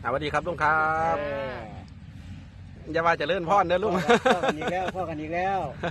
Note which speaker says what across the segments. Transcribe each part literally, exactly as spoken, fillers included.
Speaker 1: สวัสดีครับลุงครับ
Speaker 2: เออ
Speaker 1: อย่าว่าจะเลื่อนพ่อนเด้อลุง
Speaker 2: พ่อกันอีกแล้วพ่อกันอีกแล้ว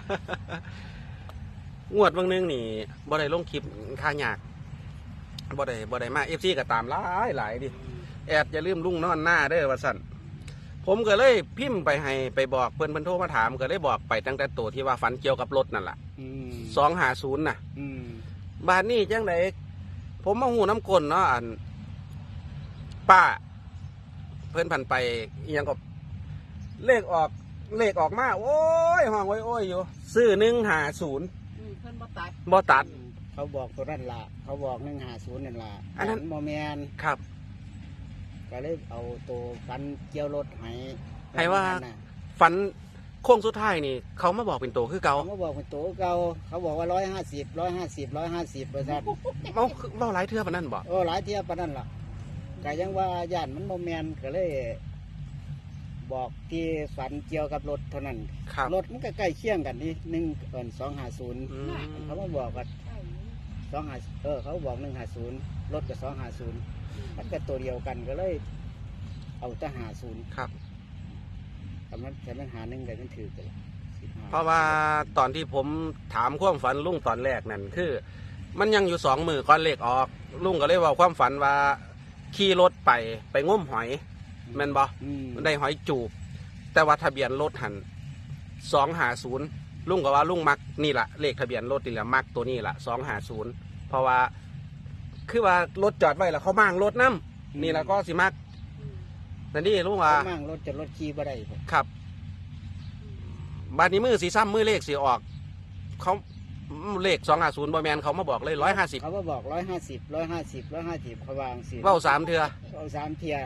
Speaker 1: งวดเบางนึงนี่บ่ได้ลงคลิปค่ายากบ่ได้บ่ได้มา เอฟ ซี ก็ตามหลายหลายดิแอดอย่าลืมลุงนอนหน้าเด้อว่าซั่นผมก็เลยพิมพ์ไปให้ไปบอกเพิ่นเพิ่นโทรมาถามก็เลยบอกไปตั้งแต่ตัวที่ว่าฝันเกี่ยวกับรถนั่นล่ะ
Speaker 2: อืม
Speaker 1: สองห้าศูนย์น่ะ
Speaker 2: อืม
Speaker 1: บ้านนี้จังไดผมมาหูน้ำกลนเนาะอันป้า เพิ่นพันไปอิหยังก็เลขออกเลขออกมาโอ้ยห้องโอ้ยโอ้ยอยู่ซื้อหนึ่งหาศูนย์
Speaker 3: อืมเพิ่นบ่ตัด
Speaker 1: บ่ตัด
Speaker 2: เขาบอกตัวนั่นล่ะเขาบอกหนึ่งหาศูนย์นั่นล่ะ
Speaker 1: อันนั้น
Speaker 2: โมเมน
Speaker 1: ครับ
Speaker 2: ก็เลยเอาตัวฟันเกี่ยวรถให้
Speaker 1: ให้ว่า
Speaker 2: น่ะ
Speaker 1: ฝันโค้งสุดท้ายนี่ เขามาบอกเป็นตัวคือเก่า
Speaker 2: เขาก็บอกเป็นตัวเก่าเขาบอกว่าร้อยห้าสิบร้อยห้าสิบร้อยห้าสิบเปอร์เซ็นต์
Speaker 1: เมาเมาหลายเทื่อปานนั้นบ่
Speaker 2: โอ้หลายเทียบปานนั้นล่ะก็ยังว่าย่านมันโมเมนก็เลย บอกที่ฝันเกี่ยวกับรถเท่านั้น
Speaker 1: ครับ
Speaker 2: รถมันก็ใกล้เคียงกันนี่หนึ่งเอินสองห้าศูนย์
Speaker 1: อืม
Speaker 2: เขามาบอกว่า
Speaker 3: ใช่
Speaker 2: สองห้าเออเขาบอกหนึ่งห้าศูนย์รถกับสองห้าศูนย์มันก็ตัวเดียวกันก็เลย เอาแต่หาศูนย์
Speaker 1: ครับ
Speaker 2: แต่มันแต่มันหาหนึ่งเลยมันถือกันสิบห้า
Speaker 1: เพราะว่าตอนที่ผมถามความฝันลุงตอนแรกนั่นคือ มันยังอยู่สองมือก่อนเลขออก ลุงก็เลยเว่าความฝันว่าขี่รถไปไปง้มหอยแม่นบ่
Speaker 2: อืม
Speaker 1: ได้หอยจูบ แต่ว่าทะเบียนรถหันสองหาศูนย์ลุงก็ว่าลุงมักนี่แหละเลขทะเบียนรถนี่แหละมักตัวนี้แหละสองหาศูนย์เพราะว่าคือว่ารถจอดไว้แล้วเขามั่งรถน้ำนี่แหละก็สิมัก
Speaker 3: อืม
Speaker 1: นั่นนี่ลุงว่า
Speaker 2: มั่งรถจะรถขี่บ่ได้พุ่น
Speaker 1: ครับบานนี้มือสีซ้ำมือเลขสีออกเขาเลขสองหาศูนย์บอแมนเขามาบอกเลยร้อยห้าสิบ
Speaker 2: เขาก็บอกร้อยห้าสิบร้อยห้าสิบร้อยห้าสิบเขาวางสิ
Speaker 1: เว้าสามเถื่อ
Speaker 2: เอาสามเทีย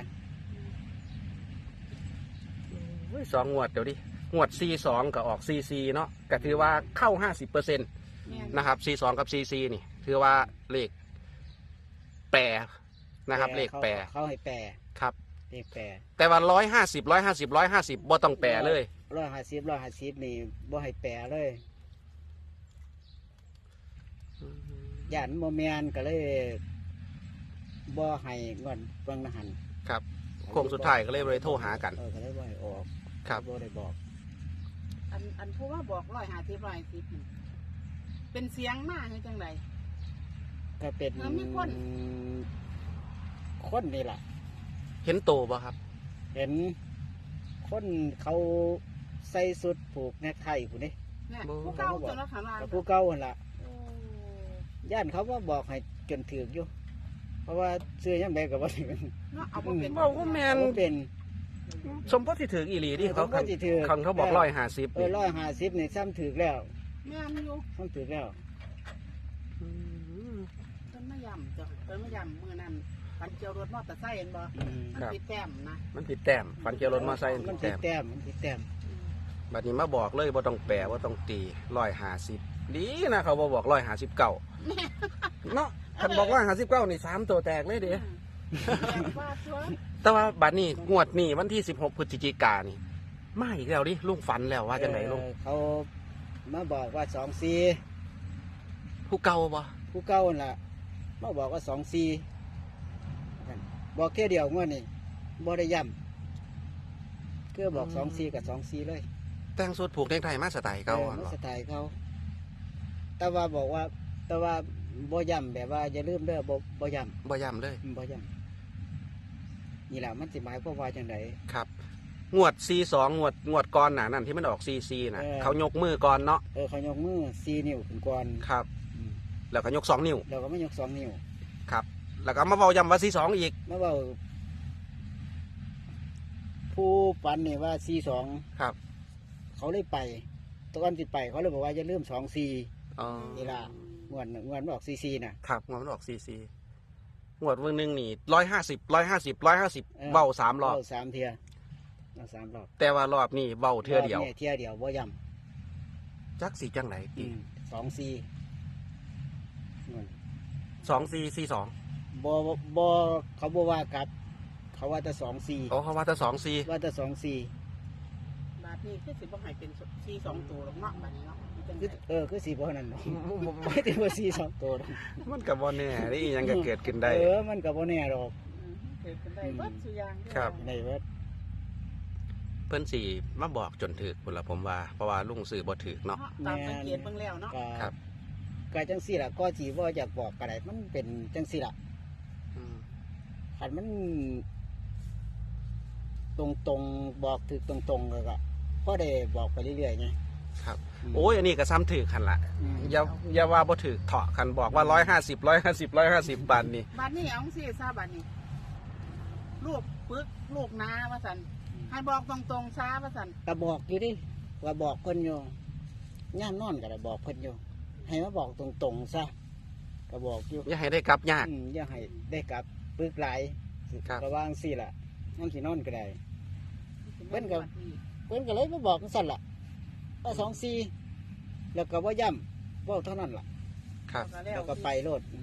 Speaker 1: เฮ้ยสองงวดเดี๋ยวดิงวดซีสองกับออกซีซีเนาะก็ถือว่าเข้าห้าสิบเปอร์เซ็นต์
Speaker 3: แม่น
Speaker 1: นะครับ ซี สอง กับ ซี ซี นี่ถือว่าเลขแปรนะครับ เลขแปร
Speaker 2: เขาให้แปร
Speaker 1: ครับ
Speaker 2: เลขแปร
Speaker 1: แต่ว่าร้อยห้าสิบร้อยห้าสิบร้อยห้าสิบบ่ต้องแปรเลย
Speaker 2: ร้อยห้าสิบร้อยห้าสิบนี่บ่ให้แปรเลยย่านโมเมนก็เลยบ่ให้เงินเบิ่งนะหัน
Speaker 1: ครับโค้งสุดท้ายก็เลยเลยโทรหากัน
Speaker 2: เออก็เลยบ่ให้ออก
Speaker 1: ครับ
Speaker 2: บ่ได้บอก
Speaker 3: อันอันผู้ว่าบอกร้อยห้าสิบร้อยสิบนี่เป็นเสียงมาให้จังได
Speaker 2: ก็เป็น
Speaker 3: เออมีคน
Speaker 2: คนนี่ล่ะ
Speaker 1: เห็นโตบ่ครับ
Speaker 2: เห็นคนเขาใส่สุดผูกแนกไทผู้นี่
Speaker 3: เนี่ย
Speaker 1: โอ้
Speaker 3: ผู้เก่าจนว่าข้างล่าง
Speaker 2: กับผู้เก่าหั่นล่ะ
Speaker 3: โอ้
Speaker 2: ย่านเขาว่าบอกให้จนถือกอยู่ เพราะว่าซื้อยังไงก็บ่ถึง
Speaker 3: เนาะเอาบ่เป็น
Speaker 1: บอกว่าแมน
Speaker 2: บ่เป็น
Speaker 1: สมพติที่ถึงอีหลีที่เขา
Speaker 2: สมพติที่ถึง
Speaker 1: คันเขาบอกร้อยห้าสิบ
Speaker 2: เออร้อยห้าสิบนี่ซ้ำถือกแล้ว
Speaker 3: แม่นอยู่
Speaker 2: ซ้ำถือกแล้ว
Speaker 3: เพิ่นมาย่ำจ้ะเพิ่นมาย่ำมื้อนั้นปันเกี่ยวรถมอเตอร์ไซค์เห็นบ่
Speaker 2: อืม
Speaker 3: มันปิดแต้มนะ
Speaker 1: มันผิดแต้มฟันเกียวรถมอไซค์
Speaker 2: มั
Speaker 1: มัน
Speaker 2: น
Speaker 1: ผิ
Speaker 2: ผิ
Speaker 1: ด
Speaker 2: ด
Speaker 1: แต้ม
Speaker 2: แต้มมันผิดแต้ม
Speaker 3: อืม
Speaker 1: บัดนี้มาบอกเลยว่าต้องแปลว่าต้องตีร้อยห้าสิบดีนะเขาบอบอกร้อยห้าสิบเก้าเนาะคันบอกร้อยห้าสิบเก้านี่สามตัวแตกเลยเด้
Speaker 3: อืมแบบว่าชัวร์
Speaker 1: แต่ว่าบัดนี้งวดนี้วันที่สิบหกพฤศจิกายนนี่มาอีกแล้วดิลุงฝันแล้วว่าจังไหนลุง
Speaker 2: เออเขามาบอกว่าสองสี่
Speaker 1: ผู้เก่าบ่
Speaker 2: ผู้เก่านั่นล่ะมาบอกว่าสองสี่บอกแค่เดียวงวดนี่บ่ได้ย้ำคือบอกสองสี่กับสองสี่เลย
Speaker 1: แต่งสุดผูกเนกไทยมาสไตล์เก่า
Speaker 2: ออ
Speaker 1: อะ
Speaker 2: มัน
Speaker 1: เหรอ
Speaker 2: สไตล์เขา แต่ว่าบอกว่า แต่ว่าบ่ย้ำแบบว่าอย่าลืมเด้อบ่บ่ย้
Speaker 1: บ่ย้ำเลย
Speaker 2: ำบ่ย้ำนี่แหละมันสิหมายความว่าจังได
Speaker 1: ครับ งวดซีสองงวดงวดก่อนหนานั่นที่มันออกซีซีน่ะ
Speaker 2: เออ
Speaker 1: เขายกมือก่อนเนาะ
Speaker 2: เออเขายกมือสี่นิ้วขึ้นก่อน
Speaker 1: ครับ
Speaker 2: อืม
Speaker 1: แล้วก็ยกสองนิ้ว
Speaker 2: แล้วก็ไม่ยกสองนิ้ว
Speaker 1: ครับ แล้วก็มาเบาย้ำว่าซีสองอีก
Speaker 2: มาเว่าผู้ปันนี่ว่าสี่สอง
Speaker 1: ครับ
Speaker 2: เขาเลยไปตอนสิไปเขาเลยบอกว่าอย่าลืมสองสี่
Speaker 1: อ๋อ
Speaker 2: นี่ล่ะงวดงวดมันออกสี่สี่น่ะ
Speaker 1: ครับงวดมันออกซีซีงวดวันหนึ่งนี่ร้อยห้าสิบร้อยห้าสิบร้อยห้าสิบ
Speaker 2: เออ
Speaker 1: เบาสามรอบ
Speaker 2: เว้สามเทียเอาสามรอบ
Speaker 1: แต่ว่ารอบนี้เบาเทื่อเดียว
Speaker 2: รบนี่เทียเดียวบ่ย้
Speaker 1: จักสีจังไหน
Speaker 2: ำ
Speaker 1: ตี
Speaker 2: สองสี่
Speaker 1: สองซีซีสอง
Speaker 2: บ่บ่เขาบ่ว่ากลับ เขาว่าแต่สองสี่
Speaker 1: โอ้เขาว่าจะสองซี
Speaker 2: ว่าแต่สองสี่
Speaker 3: บาทนี้คือสิบ่ให้เป็นสี่สองตัวหรอกเนาะบัดนี้เนาะมันจัง
Speaker 2: คือ
Speaker 3: ได
Speaker 2: เออคือสี่บ่นั่นเนาะไม่ถึงว่าสี่สองตัวหรอก
Speaker 1: มันกับบ่แน่นี่ยังก็เกิดขึ้นได้
Speaker 2: เออมันก็บ่แน่หรอก
Speaker 3: อืมเกิดกันได้เบิดสุอยางเด้อ
Speaker 1: ครับ
Speaker 2: ในเว็บ
Speaker 1: เพิ่นสิมาบอกจนถึกพุ่นละผมว่าเพราะว่าลุงซื้อบ่ถึกเนาะ
Speaker 3: เนาะตามสังเกตเบิ่งแล้วเนาะ
Speaker 2: ก็
Speaker 1: ครับ
Speaker 2: ก็จังซี่ล่ะก็สิว่าอยากบอกก็ได้มันเป็นจังซี่ล่ะ
Speaker 1: อืม
Speaker 2: คันมัน ตรงๆบอกถึกตรงๆแล้วก็พอได้บอกไปเรื่อยๆไง
Speaker 1: ครับ
Speaker 2: ม
Speaker 1: โอ้ยอันนี้ก็ซ้ำถึกคันละ
Speaker 2: อืม
Speaker 1: อย่าอย่าว่าบ่ถึกเถาะคันบอกว่าร้อยห้าสิบร้อยห้าสิบร้อยห้าสิบบาทนี่
Speaker 3: บัดนี้เอาสิซาบัดนี้ลูกปึกลูกนาว่าซั่นให้บอกตรงๆซาว่าซั่น
Speaker 2: ก็บอกอยู่ดิว่าบอกเพิ่นอยู่ย่ามนอนก็ได้บอกเพิ่นอยู่ให้มาบอกตรงๆซะก็บอกอยู่
Speaker 1: อย่าให้ได้กลับยาก
Speaker 2: อืมอย่าให้ได้กลับปึกหลาย
Speaker 1: ครับ
Speaker 2: ระวังสิล่ะนั่งสินอนก็ได้ เพิ่นก็ เพิ่นก็เลยมาบอกจังซั่นล่ะว่าสองสี่แล้วก็ว่าย่ำเว่าเท่านั้นล่ะ
Speaker 1: ครับ
Speaker 2: แล้วก็ไปโลด
Speaker 3: อืม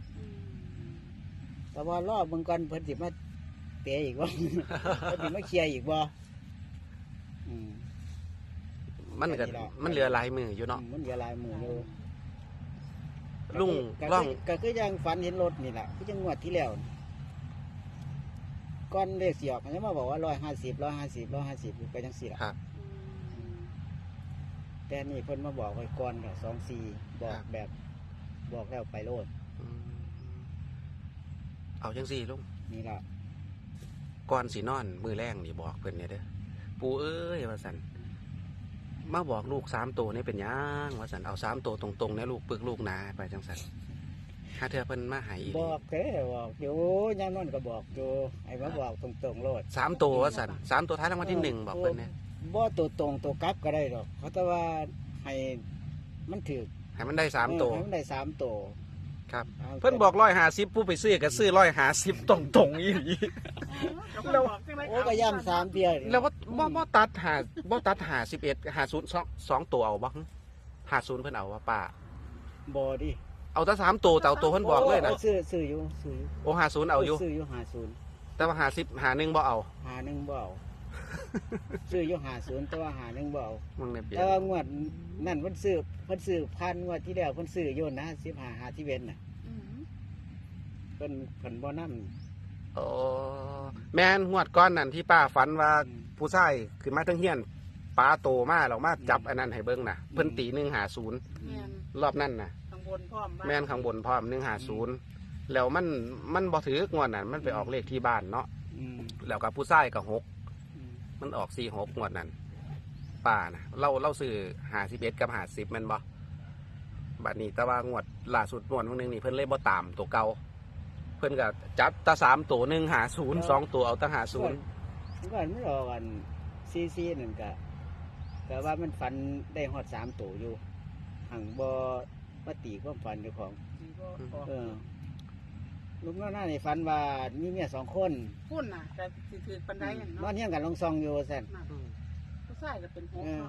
Speaker 2: แต่ว่ารอบเบิ่งก่อนเพิ่นสิมาเตะอีกบ่ เพิ่นสิมาเคลียร์อีกบ่อืม
Speaker 1: มันก็มันเหลือหลายมืออยู่เนาะ
Speaker 2: มันเหลือหลายมืออยู่
Speaker 1: ลุง
Speaker 2: ก็
Speaker 1: ล่
Speaker 2: คือ อง ก็คือยังฝันเห็นรถนี่แหละคือจังงวดที่แล้วนี่ก่อนเลขสิออกมันจะมาบอกว่าร้อยห้าสิบร้อยห้าสิบร้อยห้าสิบไปจังสี่ละ
Speaker 1: ครับ
Speaker 3: อืม
Speaker 2: แต่นี่เพิ่นมาบอกไว้ก่อนค่ะสองสี่บอกแบบบอกแล้วไปโลด
Speaker 1: อืมเอาจังซี่ลุง
Speaker 2: นี่ล่ะ
Speaker 1: ก่อนสินอนมือแรงนี่บอกเพิ่นเนี่ยเด้อปู่เอ้ยว่าสันมาบอกลูกสามตัวนี่เป็นหยังว่าสันเอาสามตัวตรงๆเนี่ยลูกปึกลูกหนาไปจังสันถ้าเธอเพิ่นมาใหายอีก
Speaker 2: บอกเด้บอกอยู่ยามนั้นก็บอกอยู่ไอ้มาบอกตรงๆโลด
Speaker 1: สามตัวว่าสันสามตัวท้ายรางวัลที่หนึ่งบอกเพิ่นเนี่ย
Speaker 2: บ่ตัวตรงตัวกลับก็ได้ดอกเขาแต่ว่าให้มันถือ
Speaker 1: ให้มันได้สามตัว
Speaker 2: ให้มันได้สามตัว
Speaker 1: ครับ
Speaker 2: า
Speaker 1: เพิ่นบอกร้อยหาสิบผู้ไปซื้อก็ซื้อร้อยหาสิบตรงๆอีหลี
Speaker 3: แล้วบอกจังได๋
Speaker 2: โอ้ก็ย่ำสามเดียว
Speaker 1: แล้วว่าบ่บ่ตัดหาบ่ตัดหาสิบเอ็ดหาศูนย์สองสองตัวเอาบ่หาศูนย์เพิ่นเอาว่าป้า
Speaker 2: บ่ดิ
Speaker 1: เอาแต่สามตัวแต่เอาตัวเพิ่นบอกเลยนะ
Speaker 2: โซื้อซื้ออยู่ซื้ออยู่
Speaker 1: โอ้หาศูนย์เอาอยู่
Speaker 2: ซื้ออยู่หาศูนย์
Speaker 1: แต่ว่าหาสิบหาหนึ่งบ่เอา
Speaker 2: หาหนึ่งบ่เอา ซื้ออยู่หาศูนย์แต่ว่าหาหนึ่งบ่เอา
Speaker 1: มึงเนี่ยเปลี่ยน
Speaker 2: แต่ว่างวดนั่นเพิ่นซื้อเพิ่นซื้อพันงวดที่แล้วเพิ่นซื้ออยู่นะสิบห้าหาที่เว้นน่ะ
Speaker 3: อืม
Speaker 2: เพิ่นเพิ่นบ่นำ
Speaker 1: โอ้แม่นงวดก้อนนั่นที่ป้าฝันว่าผู้ชายขึ้นมาทั้งเฮียนปลาโตมาเรามาจับอันนั้นให้เบิ่งน่ะเพิ่นตีหนึ่งหาศูนย์
Speaker 3: แม่น
Speaker 1: รอบนั้นน่ะ
Speaker 3: ข้างบนพร้อมบ้
Speaker 1: แม่นข้างบนพร้อมหนึ่งหาศูนย์แล้วมันมันบ่ถือกงวดนั้นมันไปออกเลขที่บ้านเนาะ
Speaker 2: อืม
Speaker 1: แล้วกับผู้ชายกับหก
Speaker 2: อืม
Speaker 1: มันออกสี่หกงวดนั้นป้านะเราเราซื้อหาสิบเอ็ดกับหาสิบมันบ่บัดนี้แต่ว่างวดล่าสุดงวดวันหนึงนี่เพิ่นเลยบ่ตามตัวเก่าเพิ่นก็จับตาสามตัวหนึ่งหาศูนย์สองตัวเอาตั้งหาศูนย์
Speaker 2: มันก็มันรอกันซีซีนั่นก็ก็ว่ามันฝันได้ฮอดสามตัวอยู่หังบ่มาตีความฝันเจ้าของ
Speaker 3: นี่บ่ออก
Speaker 2: เออลุงน้าหน้าในฝันว่ามีเมียสองคน
Speaker 3: พุ่นน่ะแต่สิถือปานใดนั่น
Speaker 2: นอ
Speaker 3: เนาะ
Speaker 2: นเฮียงกันลองซองอยู่สั่น
Speaker 3: น่ะผู้ชายก็เป็นหก
Speaker 2: เออ
Speaker 3: เนาะ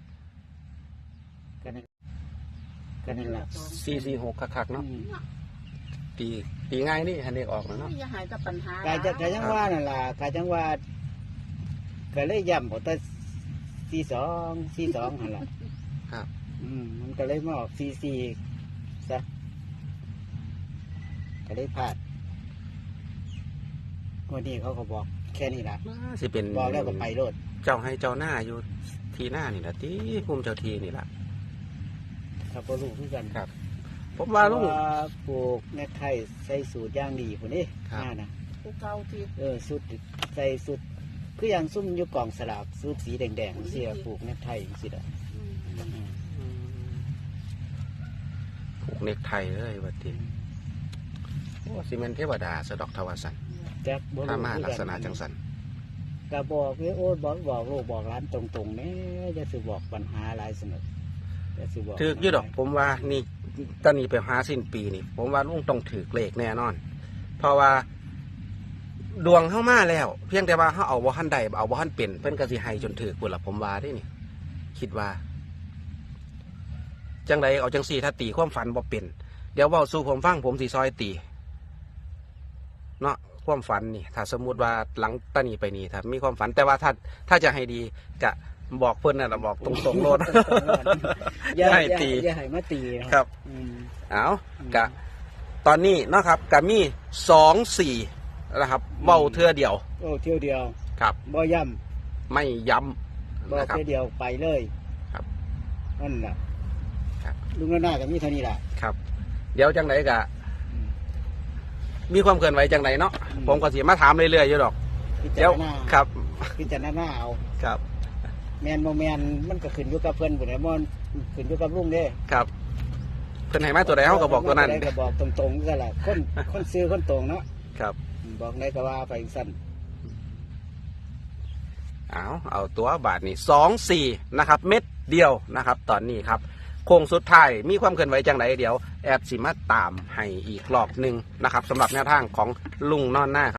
Speaker 2: กันนั่นกันนั่นล่ะ
Speaker 1: สี่สี่หกคักๆเนาะ
Speaker 2: อืม
Speaker 1: ตีตีง่ายนี่ฮันเด็กออกแล้วเนาะ
Speaker 3: อย่าหายแต่ปัญหาก
Speaker 2: ายจะกายจังว่านั่นล่ะกายจังว่าก็เลยย้ำเอาแต่สี่สองสี่สองหั่นล่ะ
Speaker 1: ครับ
Speaker 2: อืมมันก็เลยมาออกสี่สี่ซะก็เลยพลาดวันนี้เขาก็บอกแค่นี้ล่ะ
Speaker 1: สิเป็น
Speaker 2: บอกแล้วก็ไปโลด
Speaker 1: เจ้าให้เจ้าหน้าอยู่ทีหน้านี่แหละที่ภูมิเจ้าทีนี่แหละ
Speaker 2: ถ้าบ่รู้คือกัน
Speaker 1: ครับ ผมว่าลุง
Speaker 2: เพระปลูกในไทยใส่สูตรอย่างดีพุ่นนี่
Speaker 1: ครับ
Speaker 2: หน้านะ
Speaker 3: ผู้เก่าที่
Speaker 2: เออสูตรใส่สูตรคืออย่างซุ่มอยู่กล่องสลากสูตรสีแดงๆเสียปลูกในไทยสิล่ะ
Speaker 3: อืม
Speaker 2: อืม
Speaker 1: ผูกเนกไทยเลยวัดทีโอ้ซีเมนเทวดาสะดอกทวาสัน
Speaker 2: จักบ่
Speaker 1: ถ้า
Speaker 2: รู้
Speaker 1: มา
Speaker 2: คือ
Speaker 1: ลัก
Speaker 2: กัน
Speaker 1: ษณะจังสัน
Speaker 2: ก็บอกเลยโอ้ยบอกบอกลูกบอกร้านตรงๆแนี่จะสิบอกปัญหาหลายสนุกจะสิบอก
Speaker 1: ถือกอยี่ดอก ผมว่านี่ตอนนี้ไปหาสิ้นปีนี่ ผมว่าลุงต้องถือเลขแน่นอน เพราะว่าดวงเข้ามาแล้ว เพียงแต่ว่าเขาเอาบ่ทันใดเอาบ่ทันเป็นเพิ่นก็สิให้จนถือพุ่นละผมว่าได้นี่ คิดว่า จังใดเอาจังสี่ถ้าตีความฝันบ่เป็นเดี๋ยวเว้าสู่ผมฟังผมสิซอยตีเนาะความฝันนี่ ถ้าสมมุติว่าหลังตานี้ไปนี่ถ้ามีความฝันแต่ว่าถ้าถ้าจะให้ดีจะบอกเพิ่นน่ะล่ะบอกตรงๆโลด
Speaker 2: อย่า
Speaker 1: ให้
Speaker 2: อย่า
Speaker 1: ตี
Speaker 2: อย่าให้มาตี
Speaker 1: ครับ
Speaker 2: อืม
Speaker 1: เอากะตอนนี้เนาะครับกะมีสองสี่นะครับเบ้าเทื่อเดียว
Speaker 2: โอ้เที่ยวเดียว
Speaker 1: ครับ
Speaker 2: บ่ย่
Speaker 1: ไม่ย้
Speaker 2: ำบ่
Speaker 1: ำนะครับ
Speaker 2: เที่ยวเดียวไปเลย
Speaker 1: ครับ
Speaker 2: นั่นแหละ
Speaker 1: ครับ
Speaker 2: ลุงหน้ากับมีเท่านี้แหละ
Speaker 1: ครับ เดี๋ยวจังไหนกะมีความเคลื่อนไหวจังไหนเนาะผมก็สิมาถามเรื่อยๆอยู่ดอก
Speaker 2: พิ
Speaker 1: เดี๋
Speaker 2: จา
Speaker 1: ยว
Speaker 2: รณา
Speaker 1: ครับ
Speaker 2: พิจารณาเอา
Speaker 1: ครับ
Speaker 2: แมนบ่แมนมันก็ขึ้นอยู่กับเพิ่นบุญแล้วมันขึ้นอยู่กับลุงเด้
Speaker 1: ครับเพิ่นให้มาตัวใดเฮาก็บอกตัวนั้น
Speaker 2: ก็บอกตรงๆซะล่ะคนคนซื้อคนตรงเนาะ
Speaker 1: ครับ
Speaker 2: บอกได้ก็ว่าไปสั่น
Speaker 1: เอาเอาตัวบาทนี่สองสี่นะครับ เม็ดเดียวนะครับ ตอนนี้ครับโค้งสุดท้ายมีความเคลื่อนไหวจังไหนเดี๋ยวแอดสิมาตามให้อีกรอบหนึ่งนะครับสำหรับแนวทางของลุงนอนหน้า